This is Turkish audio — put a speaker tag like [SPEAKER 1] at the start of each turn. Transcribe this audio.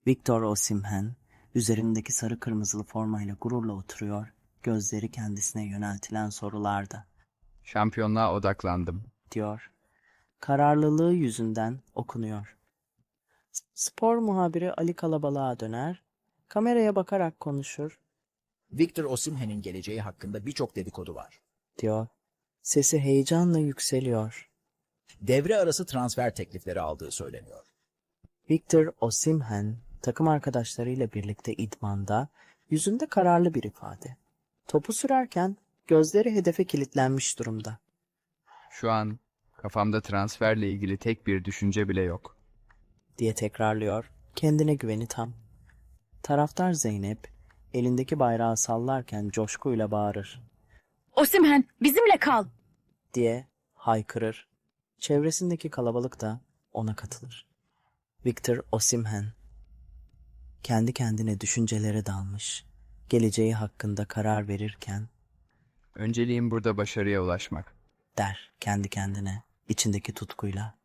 [SPEAKER 1] Victor Osimhen, üzerindeki sarı kırmızılı formayla gururla oturuyor, gözleri kendisine yöneltilen sorularda,
[SPEAKER 2] Şampiyonluğa odaklandım.
[SPEAKER 1] diyor. Kararlılığı yüzünden okunuyor. Spor muhabiri Ali Kalabalık'a döner, kameraya bakarak konuşur,
[SPEAKER 3] Victor Osimhen'in geleceği hakkında birçok dedikodu var.
[SPEAKER 1] diyor. Sesi heyecanla yükseliyor.
[SPEAKER 3] Devre arası transfer teklifleri aldığı söyleniyor.
[SPEAKER 1] Victor Osimhen, takım arkadaşlarıyla birlikte idmanda, yüzünde kararlı bir ifade. Topu sürerken gözleri hedefe kilitlenmiş durumda.
[SPEAKER 2] Şu an kafamda transferle ilgili tek bir düşünce bile yok.
[SPEAKER 1] Diye tekrarlıyor, kendine güveni tam. Taraftar Zeynep, elindeki bayrağı sallarken coşkuyla bağırır,
[SPEAKER 4] Osimhen, bizimle kal.
[SPEAKER 1] diye haykırır. Çevresindeki kalabalık da ona katılır. Victor Osimhen, kendi kendine düşüncelere dalmış, geleceği hakkında karar verirken,
[SPEAKER 2] Önceliğim burada başarıya ulaşmak.
[SPEAKER 1] der kendi kendine, içindeki tutkuyla.